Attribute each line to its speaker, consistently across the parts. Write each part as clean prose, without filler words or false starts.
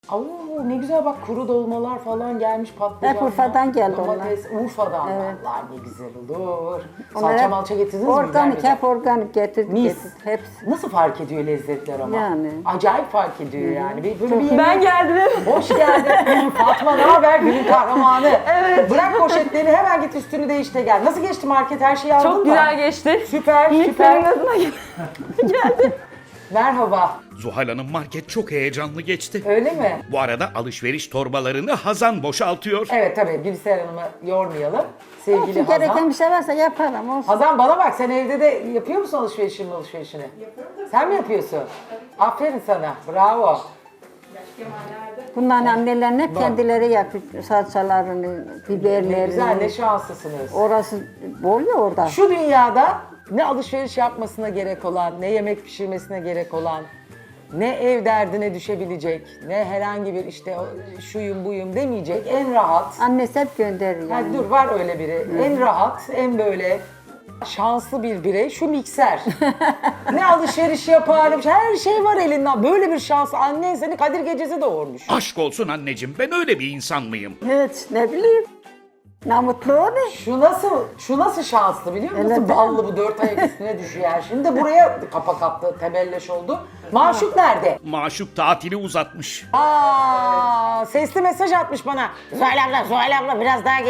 Speaker 1: Oo, ne güzel bak, kuru dolmalar falan gelmiş, patlıcanlar.
Speaker 2: Hep Urfa'dan geldi
Speaker 1: domates,
Speaker 2: onlar.
Speaker 1: Urfa'dan.
Speaker 2: Evet.
Speaker 1: Vallahi ne güzel olur.
Speaker 2: Onlar
Speaker 1: Salça
Speaker 2: hep
Speaker 1: malça getirdiniz mi?
Speaker 2: organik,
Speaker 1: Güzel
Speaker 2: hep organik getirdik.
Speaker 1: Mis.
Speaker 2: Hepsi.
Speaker 1: Nasıl fark ediyor lezzetler ama?
Speaker 2: Yani.
Speaker 1: Acayip fark ediyor yani. Böyle bir
Speaker 3: Ben geldim.
Speaker 1: Hoş geldin. Fatma, ne haber? Günün kahramanı. Evet. Bırak poşetlerini, hemen git üstünü değiş de gel. Nasıl geçti market? Her şeyi aldın mı?
Speaker 3: Çok güzel geçti.
Speaker 1: Süper,
Speaker 3: Yiğit
Speaker 1: süper.
Speaker 3: benim adına geldi.
Speaker 1: Merhaba.
Speaker 4: Zuhal Hanım market çok heyecanlı geçti.
Speaker 1: Öyle mi?
Speaker 4: Bu arada alışveriş torbalarını Hazan boşaltıyor.
Speaker 1: Evet tabii. Gülser Hanım'ı yormayalım. Sevgili
Speaker 2: Olsun,
Speaker 1: Hazan.
Speaker 2: gereken bir şey varsa yaparım. Olsun.
Speaker 1: Hazan bana bak, sen evde de yapıyor musun alışverişini? Yapıyorum tabii. Sen mi yapıyorsun? Aferin sana. Bravo.
Speaker 2: Bunların annelerin hep kendileri yapıyor. Salçalarını,
Speaker 1: Ne
Speaker 2: biberlerini.
Speaker 1: güzel, ne şanslısınız.
Speaker 2: Orası bol ya orada.
Speaker 1: Şu dünyada ne alışveriş yapmasına gerek olan, ne yemek pişirmesine gerek olan, ne ev derdine düşebilecek, ne herhangi bir işte şuyum buyum demeyecek en rahat.
Speaker 2: Annesi hep gönderir yani.
Speaker 1: Hadi dur, var öyle biri. En rahat, en böyle şanslı bir birey şu mikser. Ne alışveriş yapar, her şey var elinden. Böyle bir şans. Annen seni Kadir Gecesi doğurmuş.
Speaker 4: Aşk olsun anneciğim, ben öyle bir insan mıyım?
Speaker 2: Hiç ne bileyim. Ne mutlu onu.
Speaker 1: Şu nasıl şanslı biliyor musun? Nasıl
Speaker 2: Evet.
Speaker 1: ballı, bu dört ayak üstüne düşüyor her. Şimdi de buraya kapak attı, tebelleş oldu. Maşuk nerede?
Speaker 4: Maşuk tatili uzatmış.
Speaker 1: Sesli mesaj atmış bana. Zuhal abla biraz daha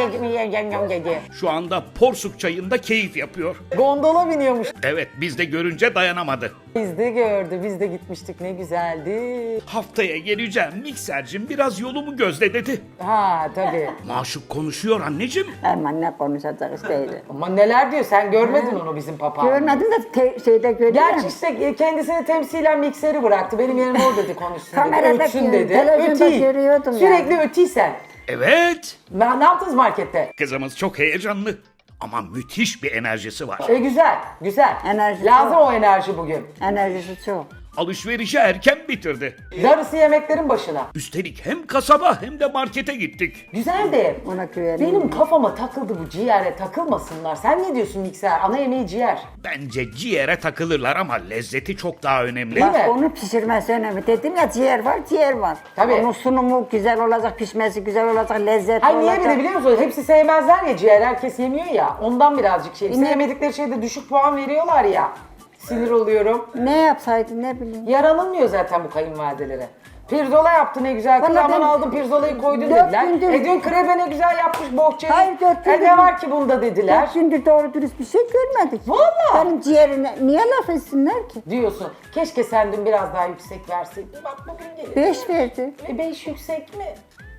Speaker 1: gel.
Speaker 4: Şu anda Porsuk çayında keyif yapıyor.
Speaker 1: Gondola biniyormuş.
Speaker 4: Evet, biz de görünce dayanamadı.
Speaker 1: Biz de gördü, biz de gitmiştik, ne güzeldi.
Speaker 4: Haftaya geleceğim miksercim, biraz yolumu gözle dedi.
Speaker 1: Ha tabii.
Speaker 4: Maşuk konuşuyor anneciğim.
Speaker 2: Aman ne konuşacak işte.
Speaker 1: Ama neler diyor, sen görmedin onu bizim papağanı.
Speaker 2: Görmedim de şeyde gördüm.
Speaker 1: Gerçi işte kendisini temsilen mikseri bıraktı. Benim yerime o dedi, konuşsun dedi,
Speaker 2: Kamerada
Speaker 1: ötsün dedi.
Speaker 2: televizyonda
Speaker 1: Ötey.
Speaker 2: görüyordum
Speaker 1: Sürekli
Speaker 2: yani.
Speaker 1: ötiysen.
Speaker 4: Evet,
Speaker 1: Ne yaptınız markette?
Speaker 4: kızımız çok heyecanlı. Ama müthiş bir enerjisi var.
Speaker 1: Güzel, güzel.
Speaker 2: Enerji
Speaker 1: Lazım
Speaker 2: çok.
Speaker 1: o enerji bugün.
Speaker 2: Enerjisi çok.
Speaker 4: Alışverişi erken bitirdi.
Speaker 1: Darısı yemeklerin başına.
Speaker 4: Üstelik hem kasaba hem de markete gittik.
Speaker 1: Güzel de
Speaker 2: Ona güveniyorum.
Speaker 1: benim kafama takıldı bu, ciğere takılmasınlar. Sen ne diyorsun mikser? Ana yemeği ciğer.
Speaker 4: Bence ciğere takılırlar ama lezzeti çok daha önemli.
Speaker 1: Değil mi?
Speaker 2: Bak onu pişirmesi önemli. Dedim ya ciğer var, ciğer var.
Speaker 1: Tabii.
Speaker 2: Onun sunumu güzel olacak, pişmesi güzel olacak, lezzetli
Speaker 1: Hayır, niye
Speaker 2: olacak.
Speaker 1: bir de biliyor musun? Hepsi sevmezler ya ciğer, herkes yemiyor ya. Ondan birazcık şey.
Speaker 2: Yine-
Speaker 1: Sevmedikleri şeyde düşük puan veriyorlar ya. Sinir oluyorum.
Speaker 2: Ne yapsaydı ne bileyim.
Speaker 1: Yaranılmıyor zaten bu kayınvalidelere. Pirzola yaptı ne güzel. Kız
Speaker 2: Vallahi
Speaker 1: aman
Speaker 2: ben
Speaker 1: aldın pirzolayı koydun
Speaker 2: 4
Speaker 1: dediler.
Speaker 2: gündür-
Speaker 1: Dün krepe ne güzel yapmış bohçayı.
Speaker 2: Hayır, 4 gündür-
Speaker 1: Ne var ki bunda dediler.
Speaker 2: 4 gündür doğru dürüst bir şey görmedik.
Speaker 1: Vallahi.
Speaker 2: Benim ciğerine niye laf etsinler ki?
Speaker 1: Diyorsun. Keşke sen dün biraz daha yüksek verseydin. Bak bugün gelin.
Speaker 2: 5 verdi.
Speaker 1: 5 yüksek mi?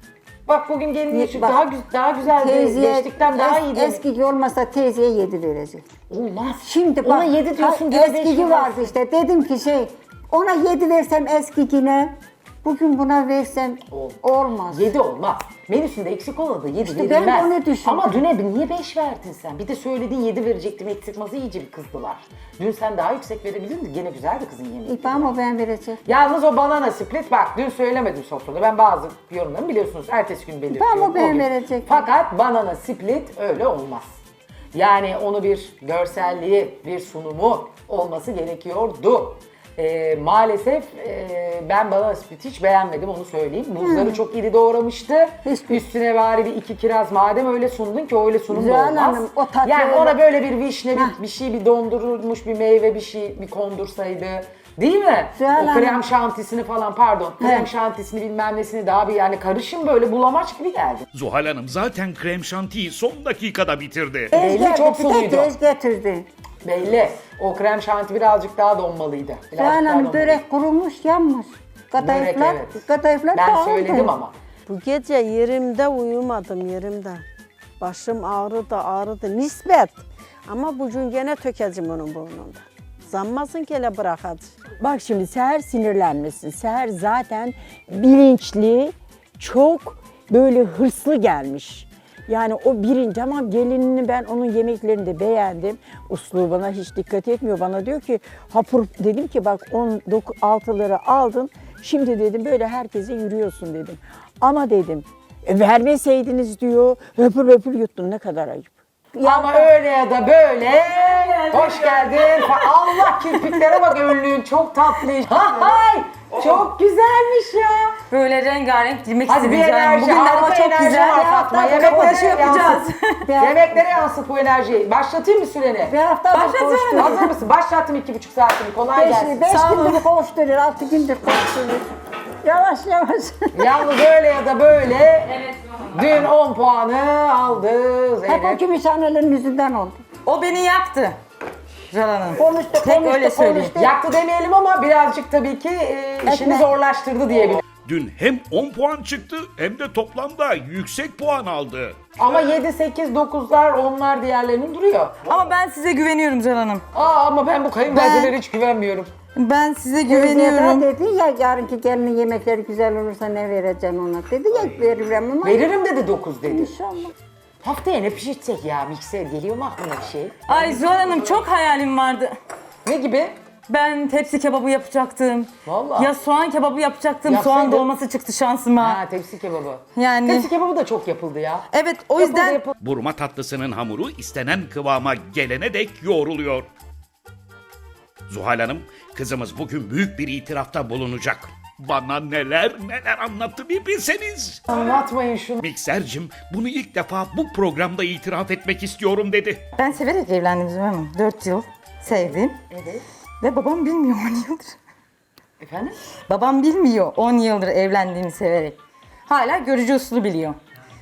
Speaker 1: Bak bugün gelin
Speaker 2: Bak,
Speaker 1: daha güzel geçtikten daha iyi değil.
Speaker 2: Eski olmasa teyzeye 7 verecek.
Speaker 1: Olmaz.
Speaker 2: Şimdi
Speaker 1: Ona
Speaker 2: bak
Speaker 1: 7 diyorsun,
Speaker 2: ha,
Speaker 1: gene beş
Speaker 2: eskici
Speaker 1: mi
Speaker 2: vardı işte. Dedim ki ona 7 versem eskicine, bugün buna versem olmaz.
Speaker 1: 7 olmaz. Menüsünde eksik olmadı 7
Speaker 2: İşte ben
Speaker 1: verilmez.
Speaker 2: onu düşündüm.
Speaker 1: Ama düne niye 5 verdin sen? Bir de söylediğin 7 verecektim, eksik masası iyice bir kızdılar. Dün sen daha yüksek verebilirdin. Gene güzeldi kızın yemeği.
Speaker 2: İpam o ben vereceğim.
Speaker 1: Yalnız o banana split, bak dün söylemedim sofrada. Ben bazı yorumlarımı biliyorsunuz ertesi gün belirtiyorum.
Speaker 2: Tamam, ben
Speaker 1: O gün.
Speaker 2: verecektim.
Speaker 1: Fakat banana split öyle olmaz. Yani onu bir görselliği, bir sunumu olması gerekiyordu. Maalesef ben banana split hiç beğenmedim, onu söyleyeyim. Muzları çok iri doğramıştı.
Speaker 2: Hiçbir-
Speaker 1: Üstüne bari bir 2 kiraz, madem öyle sundun ki öyle sunum da
Speaker 2: Zuhal
Speaker 1: olmaz.
Speaker 2: Hanım, o tatlı
Speaker 1: yani
Speaker 2: öyle-
Speaker 1: ona böyle bir vişne, bir şey, bir dondurulmuş bir meyve, bir kondursaydı. Değil mi?
Speaker 2: Zuhal
Speaker 1: O
Speaker 2: Hanım.
Speaker 1: krem şantisini falan, pardon. Krem şantisini bilmem nesini daha bir, yani karışım böyle bulamaç gibi geldi.
Speaker 4: Zuhal Hanım zaten krem şantiyi son dakikada bitirdi.
Speaker 1: Belli,
Speaker 2: Geldi,
Speaker 1: çok
Speaker 2: bir de
Speaker 1: suluydu.
Speaker 2: tez getirdi.
Speaker 1: Belli. O krem şanti birazcık daha donmalıydı. Birazcık daha
Speaker 2: Zuhal Hanım
Speaker 1: donmalıydı.
Speaker 2: börek kurumuş, yanmış. Kadayıflar,
Speaker 1: evet.
Speaker 2: kadayıflar
Speaker 1: Ben
Speaker 2: dağıldı.
Speaker 1: söyledim ama.
Speaker 3: Bu gece yerimde uyumadım yerimde. Başım ağrıdı nispet. Ama bugün gene tökeceğim onun burnunda. Zanmasın ki hele bırakacağım.
Speaker 5: Bak şimdi Seher sinirlenmesin. Seher zaten bilinçli, çok böyle hırslı gelmiş. Yani o birinci, ama gelinini ben onun yemeklerini de beğendim. Uslubuna hiç dikkat etmiyor. Bana diyor ki hapur, dedim ki bak 16'ları aldın. Şimdi dedim böyle herkese yürüyorsun dedim. Ama dedim vermeseydiniz diyor, höpür höpür yuttun, ne kadar ayıp.
Speaker 1: Ama öyle ya da böyle. Hoş geldin. Allah, kirpiklere bak, önlüğün çok tatlı. Hay, çok güzelmiş ya.
Speaker 6: böyle rengarenk giymek
Speaker 1: Hadi
Speaker 6: istedim
Speaker 1: bir
Speaker 6: canım.
Speaker 1: enerji,
Speaker 6: Bugün de hava
Speaker 1: harika
Speaker 6: çok
Speaker 1: enerji
Speaker 6: güzel.
Speaker 1: var Fatma.
Speaker 6: Kapanışı yapacağız.
Speaker 1: Yemeklere yansıt bu enerjiyi. Başlatayım mı süreni?
Speaker 2: Bir hafta
Speaker 6: Başlatıyorum.
Speaker 1: Hazır mısın? Başlattım 2,5 saatini. Kolay gelsin.
Speaker 2: 5
Speaker 6: Sağ olun.
Speaker 2: gündür koşturuyor, 6 gündür koşturuyor. Yavaş yavaş.
Speaker 1: Yalnız öyle ya da böyle dün 10 puanı aldı
Speaker 2: Hep o
Speaker 1: Zeynep.
Speaker 2: Gümüşhanelerin yüzünden oldu.
Speaker 6: O beni yaktı. Canan Hanım.
Speaker 2: Konuştu,
Speaker 6: Tek öyle söyleyeyim.
Speaker 1: Yaktı demeyelim ama birazcık tabii ki işini
Speaker 2: Ekmek.
Speaker 1: zorlaştırdı diyebilirim.
Speaker 4: Dün hem 10 puan çıktı hem de toplamda yüksek puan aldı.
Speaker 1: Ama 7, 8, 9'lar onlar diğerlerinin duruyor.
Speaker 6: Ama ben size güveniyorum Canan Hanım.
Speaker 1: Ama ben bu kayınvalidelere hiç güvenmiyorum.
Speaker 6: Ben size
Speaker 2: Güveniyorum.
Speaker 6: güveniyorum.
Speaker 2: Dedi ya yarınki gelinin yemekleri güzel olursa ne vereceksin ona dedi ya veririm ama.
Speaker 1: Veririm dedi 9 dedi.
Speaker 2: İnşallah.
Speaker 1: Haftaya ne pişirtsek ya mikser geliyor mu aklına bir şey?
Speaker 6: Ay Zuhal Hanım çok hayalim vardı.
Speaker 1: Ne gibi?
Speaker 6: Ben tepsi kebabı yapacaktım.
Speaker 1: Vallahi.
Speaker 6: Ya soğan kebabı yapacaktım.
Speaker 1: Yapsaydın.
Speaker 6: Soğan dolması çıktı şansıma.
Speaker 1: Ha tepsi kebabı.
Speaker 6: Yani
Speaker 1: Tepsi kebabı da çok yapıldı ya.
Speaker 6: evet o yüzden
Speaker 1: Yapıldı.
Speaker 4: Burma tatlısının hamuru istenen kıvama gelene dek yoğruluyor. Zuhal Hanım, kızımız bugün büyük bir itirafta bulunacak. Bana neler neler anlattı bir bilseniz.
Speaker 1: Anlatmayın şunu.
Speaker 4: Miksercim, bunu ilk defa bu programda itiraf etmek istiyorum dedi.
Speaker 6: ben severek evlendim Zuhal Hanım. 4 yıl sevdim.
Speaker 1: Evet.
Speaker 6: Ve babam bilmiyor 10 yıldır.
Speaker 1: Efendim?
Speaker 6: Babam bilmiyor 10 yıldır evlendiğimi severek. Hala görücü usulü biliyor.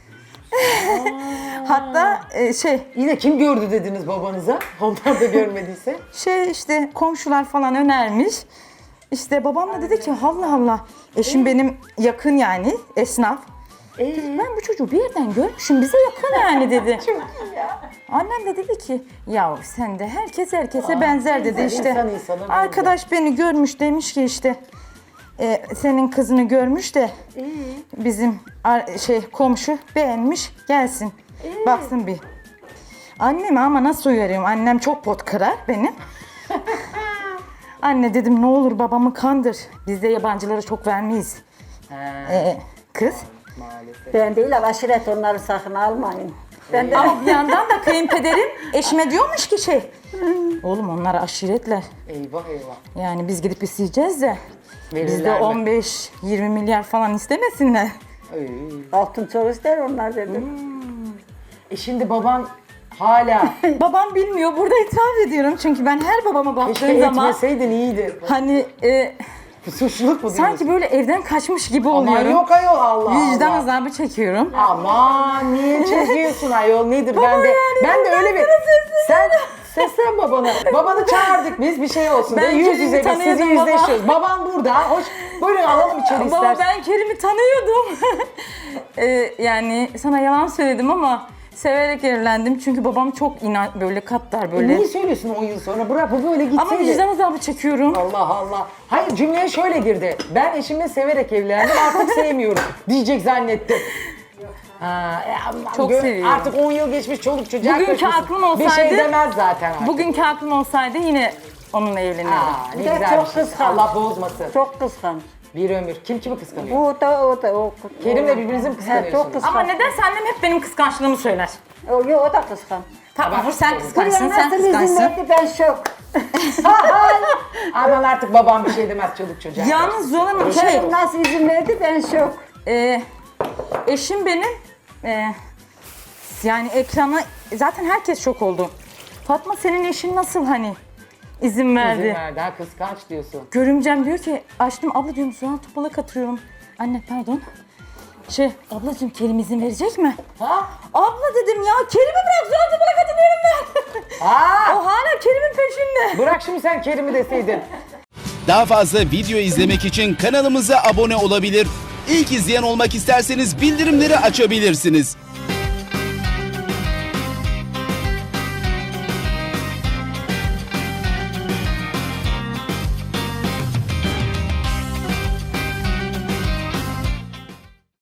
Speaker 6: Hatta
Speaker 1: Yine kim gördü dediniz babanıza? Onlar da görmediyse.
Speaker 6: işte komşular falan önermiş. İşte babam da dedi ki Allah Allah. Eşim benim yakın yani esnaf. Dedi, ben bu çocuğu bir yerden görmüşüm bize yakın yani dedi. Annem de dedi ki ya sen de herkes herkese benzer dedi
Speaker 1: benzer,
Speaker 6: işte.
Speaker 1: insan insana benzer.
Speaker 6: Arkadaş beni görmüş demiş ki işte senin kızını görmüş de bizim komşu beğenmiş gelsin baksın bir. Anneme ama nasıl uyarıyorum annem çok pot kırar benim. Anne dedim ne olur babamı kandır. Biz de yabancılara çok vermeyiz. Kız.
Speaker 2: Ben değil ama aşiret onları sakın almayın. Ben de
Speaker 6: Ama bir yandan da kayınpederim eşime diyormuş ki oğlum onlar aşiretler.
Speaker 1: Eyvah eyvah.
Speaker 6: Yani biz gidip isteyeceğiz de bizde
Speaker 1: Verirler mi?
Speaker 6: 15-20 milyar falan istemesinler.
Speaker 2: altın çok ister onlar dedim.
Speaker 1: Şimdi baban hala
Speaker 6: Babam bilmiyor burada itiraf ediyorum çünkü ben her babama
Speaker 1: keşke
Speaker 6: baktığım zaman
Speaker 1: etmeseydin iyiydi.
Speaker 6: hani
Speaker 1: Suçluluk mu diyorsun?
Speaker 6: sanki böyle evden kaçmış gibi
Speaker 1: Aman
Speaker 6: oluyorum.
Speaker 1: yok ayol Allah
Speaker 6: Vicdan
Speaker 1: Allah.
Speaker 6: azabı çekiyorum.
Speaker 1: Aman niye çekiyorsun ayol nedir
Speaker 6: Baba
Speaker 1: ben de
Speaker 6: yani
Speaker 1: ben de
Speaker 6: ben
Speaker 1: öyle bir
Speaker 6: sana sesleniyorum.
Speaker 1: sen seslen babana. Babanı çağırdık biz bir şey olsun
Speaker 6: Ben
Speaker 1: diye yüz
Speaker 6: Kerim'i
Speaker 1: yüze biz sizi
Speaker 6: tanıyordum baba.
Speaker 1: yüzleşiyoruz. Baban burada. Hoş buyurun alalım içeri
Speaker 6: Baba
Speaker 1: istersen.
Speaker 6: ben Kerim'i tanıyordum. Yani sana yalan söyledim ama severek evlendim çünkü babam çok böyle katlar böyle.
Speaker 1: Niye söylüyorsun 10 yıl sonra? Bırak bu böyle gitseydi.
Speaker 6: Ama vicdan azabı çekiyorum.
Speaker 1: Allah Allah. Hayır cümleye şöyle girdi. Ben eşimle severek evlendim artık sevmiyorum diyecek zannettim. Ha, aman
Speaker 6: Çok seviyorum.
Speaker 1: Artık 10 yıl geçmiş çoluk çocuğa
Speaker 6: Bugünkü
Speaker 1: karışmışsın.
Speaker 6: aklım
Speaker 1: Bir şey
Speaker 6: olsaydı-
Speaker 1: demez zaten artık.
Speaker 6: Bugünkü aklım olsaydı yine onunla evlenirdim.
Speaker 1: Aa, ne
Speaker 2: Bir de
Speaker 1: güzel
Speaker 2: çok
Speaker 1: bir şey.
Speaker 2: kıskanç.
Speaker 1: Allah bozmasın.
Speaker 2: Çok kıskanç.
Speaker 1: Bir ömür. Kim kimi kıskanıyor?
Speaker 2: O da.
Speaker 1: Kerim'le birbirinizi mi
Speaker 2: He,
Speaker 1: kıskanıyorsunuz?
Speaker 2: çok kıskanç.
Speaker 6: Ama nedense annem hep benim kıskançlığımı söyler.
Speaker 2: O da kıskanç.
Speaker 6: Tamam sen
Speaker 2: Buraya
Speaker 6: kıskançsın, sen
Speaker 2: nasıl izin
Speaker 6: kıskançsın.
Speaker 2: verdi ben şok.
Speaker 1: Aman artık babam bir şey demez çoluk çocuğa.
Speaker 6: Yalnız Zolan Hanım
Speaker 2: Kerim nasıl izin verdi ben şok.
Speaker 6: eşim benim yani ekrana zaten herkes şok oldu. Fatma senin eşin nasıl hani izin verdi?
Speaker 1: İzin verdi ha kıskanç diyorsun.
Speaker 6: Görümcem diyor ki açtım abla diyorum Zuhal Topal'a katılıyorum. Anne pardon. Ablacığım Kerim izin verecek mi?
Speaker 1: Ha?
Speaker 6: Abla dedim ya Kerim'i bırak Zuhal Topal'a katılıyorum ben.
Speaker 1: Ha?
Speaker 6: O hala Kerim'in peşinde.
Speaker 1: Bırak şimdi sen Kerim'i deseydin.
Speaker 7: Daha fazla video izlemek için kanalımıza abone olabilir. İlk izleyen olmak isterseniz bildirimleri açabilirsiniz.